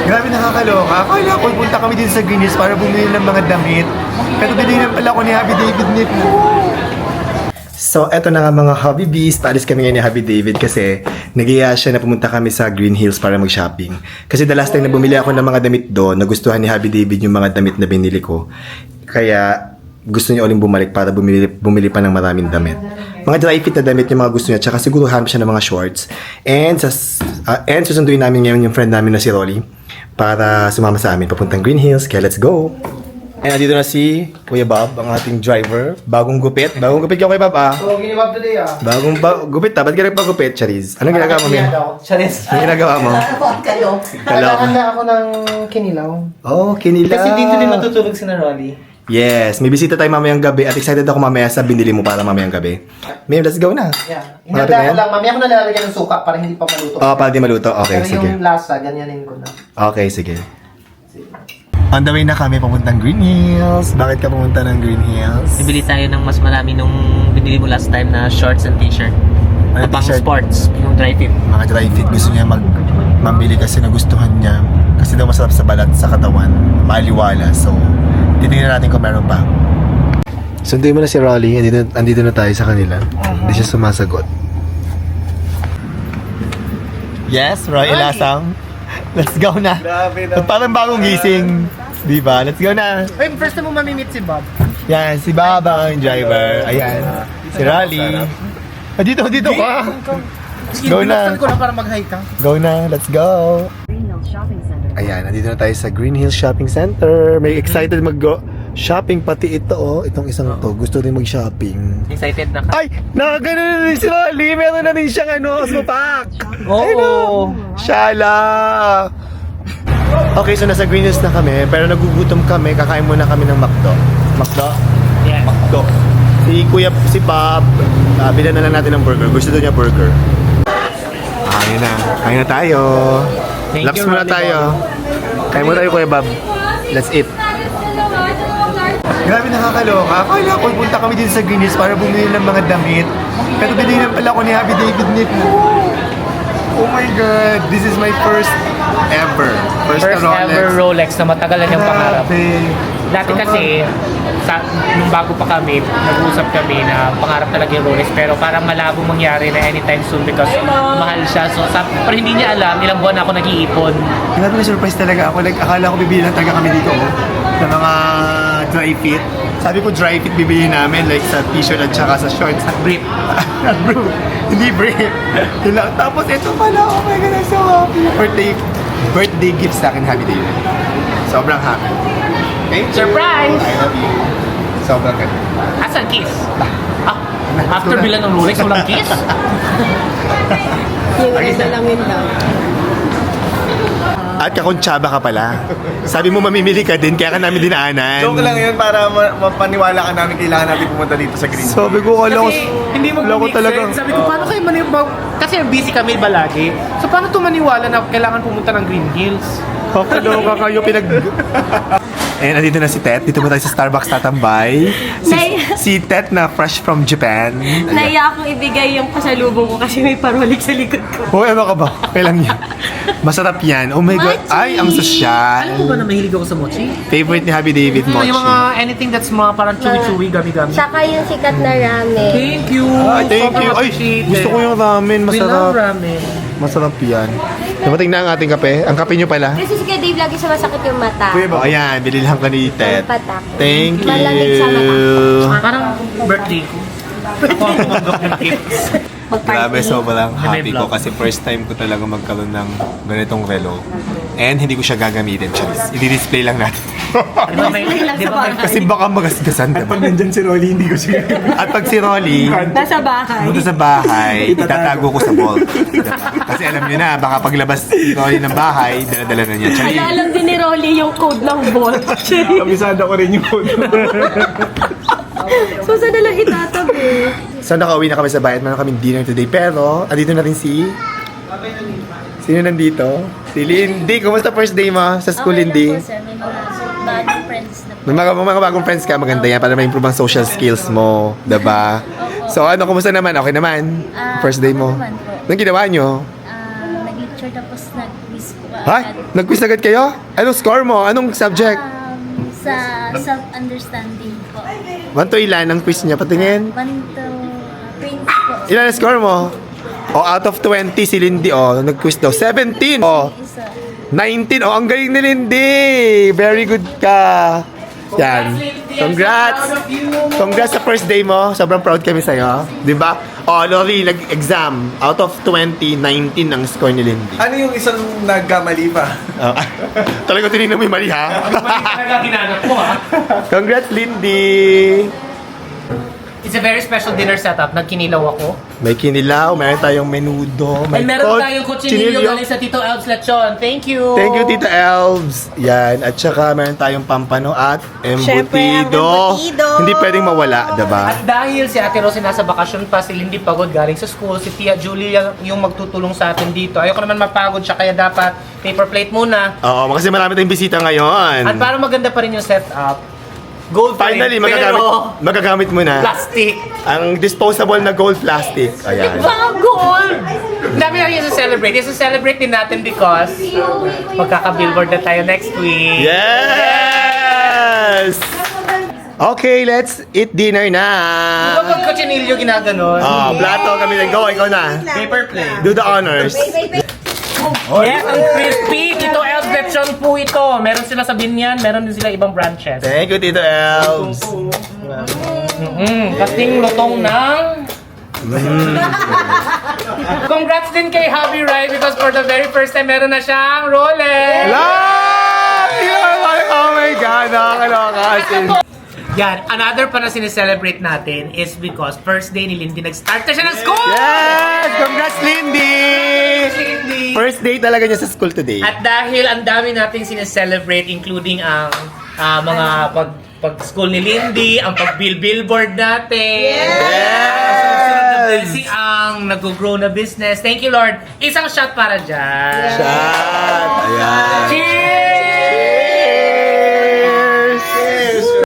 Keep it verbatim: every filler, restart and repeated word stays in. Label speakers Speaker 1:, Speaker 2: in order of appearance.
Speaker 1: Grabe nakakaloka. Akala ko punta kami din sa Green Hills para bumili ng mga damit. Pero binigyan pala ko ni Happy David nito. So, eto na nga mga Hobby Bees. Paalis kami ngayon ni Happy David kasi nagiya siya na pumunta kami sa Green Hills para mag-shopping. Kasi the last time na bumili ako ng mga damit doon, nagustuhan ni Happy David yung mga damit na binili ko. Kaya gusto niya uling bumalik para bumili, bumili pa ng maraming damit. Mga dry fit na damit yung mga gusto niya. Tsaka siguro hanap siya ng mga shorts. And, sa, uh, and susunduin namin ngayon yung friend namin na si Rolly para sumama sa amin papuntang Green Hills. Kaya let's go! And nandito na si Kuya Bob, ang ating driver. Bagong gupit. Bagong gupit ka, Kuya Bob, ah.
Speaker 2: Oo, ginibab today, ah.
Speaker 1: Bagong ba gupit, ah. Ba't ka nagpagupit, Charis? Anong ginagawa mo, Mia?
Speaker 2: Charis.
Speaker 1: Anong ginagawa mo?
Speaker 2: kayo? Nakakanda ako ng kinilaw.
Speaker 1: Oh, kinilaw.
Speaker 2: Kasi dito din matutulog si na Rolly.
Speaker 1: Yes, may bisita tayo mamayang gabi at excited ako mamaya sa binili mo para mamayang gabi. Mia, let's go na.
Speaker 2: Yeah.
Speaker 1: Malapit na
Speaker 2: Hinanda ko
Speaker 1: yan?
Speaker 2: lang. Mamaya ko na lalagyan ng suka para hindi pa maluto.
Speaker 1: Oh, para di maluto. Okay,
Speaker 2: Pero
Speaker 1: sige.
Speaker 2: yung lasa, ganyanin ko na.
Speaker 1: Okay, sige. On the way na kami papuntang Green Hills. Bakit ka pumunta ng Green Hills?
Speaker 3: Bibili tayo ng mas marami nung binili mo last time na shorts and t-shirt.
Speaker 1: Ano
Speaker 3: Na pang
Speaker 1: t-shirt?
Speaker 3: sports, yung dry fit.
Speaker 1: Mga dry fit. Gusto niya mag mamili kasi nagustuhan niya. Kasi daw masarap sa balat, sa katawan. Maliwala. So, titingnan natin kung meron pa. Sunduin mo na si Rolly. Andito, andito na tayo sa kanila. Hindi siya sumasagot. Yes, Roy Ilasang. Let's go na.
Speaker 2: Grabe
Speaker 1: At parang bagong gising. Di ba? Let's go na.
Speaker 2: Wait, first time mo mamimit si Bob.
Speaker 1: Yan, si Baba ang driver. Ayan. Si Rolly. Ah, dito, dito ka. Go na.
Speaker 2: Binuksan ko na para mag-hi ka.
Speaker 1: Go na. Let's go. Ayan, nandito na tayo sa Green Hills Shopping Center. May excited mag-go shopping pati ito, oh. Itong isang to. Gusto rin mag-shopping.
Speaker 3: Excited na ka?
Speaker 1: Ay! Nakagano na rin si Rolly. Meron na rin siyang ano, Osmopack.
Speaker 3: Oo.
Speaker 1: Shala! Okay, so nasa Green Hills na kami. Pero nagugutom kami. Kakain muna kami ng McDo. McDo?
Speaker 3: Yes.
Speaker 1: McDo. Si Kuya, si Bob, uh, bilan na lang natin ng burger. Gusto doon niya burger. Ah, yun na. Kain na tayo.
Speaker 3: Thank
Speaker 1: Laps
Speaker 3: you,
Speaker 1: muna
Speaker 3: Rolly
Speaker 1: tayo. Kain muna tayo, Kuya Bob. Let's eat. Grabe nakakaloka. Akala ko punta kami din sa Green Hills para bumili ng mga damit. Pero binigyan pala ko ni Happy David nito. Oh my God. This is my first ever. First,
Speaker 4: First
Speaker 1: na Rolex.
Speaker 4: ever Rolex na matagal na niyang pangarap.
Speaker 1: Grabe.
Speaker 4: Dati kasi, sa, nung bago pa kami, nag-uusap kami na pangarap talaga yung Rolex. Pero parang malabo mangyari na anytime soon because mahal siya. So, sa, pero hindi niya alam, ilang buwan ako nag-iipon.
Speaker 1: Grabe na surprise talaga ako. Like, akala ko bibili lang talaga kami dito. Oh, ng mga dry fit. Sabi ko dry fit bibili namin. Like sa t-shirt at saka sa shorts.
Speaker 4: Brief.
Speaker 1: Not bro. Hindi brief. Yun lang. Tapos ito pala. Oh my God, I'm so happy. Birthday, birthday gift sa akin, Happy David. Sobrang happy. Thank you.
Speaker 4: Surprise!
Speaker 1: I love you. Sobrang ganda.
Speaker 4: Asan kiss? Ah, after bilang ng Rolex, walang kiss?
Speaker 5: Yung isa lang yun daw.
Speaker 1: At kakontsaba ka pala. Sabi mo mamimili ka din, kaya ka namin dinaanan.
Speaker 6: Joke lang yun para ma- mapaniwala ka namin kailangan natin pumunta dito sa Green Hills.
Speaker 1: Sabi ko, alam ko,
Speaker 4: Kasi hindi mo
Speaker 1: alam ko
Speaker 4: make
Speaker 1: talaga.
Speaker 4: sense. Sabi ko, paano kayo maniwala? Kasi busy kami balagi. So, paano to maniwala na kailangan pumunta ng Green Hills?
Speaker 1: Kakaloka kayo, pinag... And andito na si Tet. Dito mo tayo sa Starbucks tatambay. Si,
Speaker 5: Nay-
Speaker 1: si Tet na fresh from Japan. Ayan.
Speaker 5: Naiya akong ibigay yung pasalubong ko kasi may parolik sa likod ko.
Speaker 1: Oh, ano ka ba? Kailan yan? Masarap yan. Oh my God.
Speaker 5: Mochi!
Speaker 1: Ay, ang
Speaker 4: Alam mo ba
Speaker 1: sosyal.
Speaker 4: na mahilig ako sa mochi?
Speaker 1: Favorite ni Happy David,
Speaker 4: Yung
Speaker 1: mochi.
Speaker 4: mga anything that's mga parang chewy-chewy, gami-gami.
Speaker 5: Tsaka yung sikat na ramen.
Speaker 4: Thank you!
Speaker 1: Ay, thank you. Ay,
Speaker 4: Appreciate
Speaker 1: gusto
Speaker 4: it.
Speaker 1: ko yung ramen.
Speaker 4: We love
Speaker 1: Masarap.
Speaker 4: ramen.
Speaker 1: Masarap yan. Dumating na ang ating kape. Ang kape nyo pala.
Speaker 5: Kasi si Kuya Dave lagi sumasakit yung mata.
Speaker 1: Oh, ayan. Bililhan ka ni Tet.
Speaker 5: Ang patak.
Speaker 1: Thank
Speaker 5: Malamig sa mata.
Speaker 1: you.
Speaker 4: Parang birthday ko. Ako ang tumanggap ng gifts.
Speaker 1: Grabe, sobrang happy ko
Speaker 4: vlog.
Speaker 1: kasi first time ko talaga magkaroon ng ganitong relo. And hindi ko siya gagamitin, Charis. I-display lang natin.
Speaker 4: Di ba may, di ba may,
Speaker 1: Kasi baka magasgasan, diba?
Speaker 6: Pag nandyan si Rolly, hindi ko siya
Speaker 1: At pag si Rolly,
Speaker 5: Nasa bahay.
Speaker 1: punta sa bahay, itatago ko sa vault. Diba? Kasi alam niyo na, baka paglabas si Rolly ng bahay, dala-dala na niya. Charis.
Speaker 5: Ala, alam din ni Rolly yung code ng vault.
Speaker 6: Kabisada ko rin yung code.
Speaker 5: So, saan na lang itatabi?
Speaker 1: So nakauwi na kami sa bahay at meron kaming dinner today. Pero, andito na rin si... Sino nandito? Si Lindy. Kumusta first day mo sa school, Lindy?
Speaker 5: May mga bagong friends na po.
Speaker 1: May mga, mga bagong friends ka, maganda yan para ma-improve ang social skills mo, diba? So ano, kumusta naman? Okay naman?
Speaker 7: Ah,
Speaker 1: First day mo?
Speaker 7: okay naman po.
Speaker 1: Anong ginawa nyo?
Speaker 7: Ah, nag-lecture tapos nag-quiz po,
Speaker 1: Ha? Nag-quiz agad kayo? Anong score mo? Anong subject?
Speaker 7: Um, sa self-understanding po.
Speaker 1: one to ilan ang quiz niya? Patingin.
Speaker 7: One to twenty po.
Speaker 1: Ilan ang score mo? O, out of twenty si Lindy, o, nag-quiz daw. seventeen, o,
Speaker 7: Isa.
Speaker 1: nineteen, o, ang galing ni Lindy! Very good ka! Yan. Congrats! Congrats sa first day mo. Sobrang proud kami sa'yo. Di ba? O, Lori, nag-exam. Out of twenty, nineteen ang score ni Lindy.
Speaker 6: Ano yung isang nagkamali pa?
Speaker 1: Oh. Talaga tinignan mo yung mali, ha?
Speaker 4: Mali talaga ginanap ko ha.
Speaker 1: Congrats, Lindy!
Speaker 4: It's a very special dinner setup. Nagkinilaw ako.
Speaker 1: May kinilaw, meron tayong menudo. May
Speaker 4: And meron
Speaker 1: kot-
Speaker 4: tayong kutsinilyo galing sa Tito Elves Lechon. Thank you!
Speaker 1: Thank you, Tita Elves. Yan. At saka meron tayong pampano at
Speaker 5: Syempre, ang
Speaker 1: embutido.
Speaker 5: embutido.
Speaker 1: Hindi pwedeng mawala, diba?
Speaker 4: At dahil si Ate Rosy nasa bakasyon pa, si Lindy pagod galing sa school, si Tia Julie yung, yung magtutulong sa atin dito. Ayoko naman mapagod siya, kaya dapat paper plate muna.
Speaker 1: Oo, kasi marami tayong bisita ngayon.
Speaker 4: At para maganda pa rin yung setup, gold frame,
Speaker 1: Finally, magagamit,
Speaker 4: pero
Speaker 1: magagamit mo na
Speaker 4: plastic.
Speaker 1: ang disposable na gold plastic. Ayan.
Speaker 4: Mga gold! Dami na yung celebrate. Yung celebrate din natin because magkaka-billboard na tayo next week.
Speaker 1: Yes! Okay, let's eat dinner na.
Speaker 4: Kapag kutsinilyo ginaganon.
Speaker 1: Oh, plato kami na. Go, ikaw na.
Speaker 4: Paper plate.
Speaker 1: Do the honors.
Speaker 4: Yes, ang crispy. Tito Elves Lechon po ito. Meron sila sa Binyan, meron din sila ibang branches.
Speaker 1: Thank you, Tito Elves.
Speaker 4: Mm, kasing lutong ng... Congrats din kay Javi Rai because for the very first time meron na siyang Rolex.
Speaker 1: Love! Oh my God, nakakaloka. As in,
Speaker 4: Yan, another pa na sineselebrate natin is because first day ni Lindy nag-start na siya ng school!
Speaker 1: yes! Congrats, Lindy!
Speaker 4: Lindy!
Speaker 1: First day talaga niya sa school today.
Speaker 4: At dahil ang dami nating sineselebrate including ang ah, mga pag pag-school ni Lindy, ang pag-bill-billboard natin.
Speaker 1: Yes!
Speaker 4: Blessing ang nag-grow na business. Thank you, Lord. Isang shot para dyan.
Speaker 1: Shot!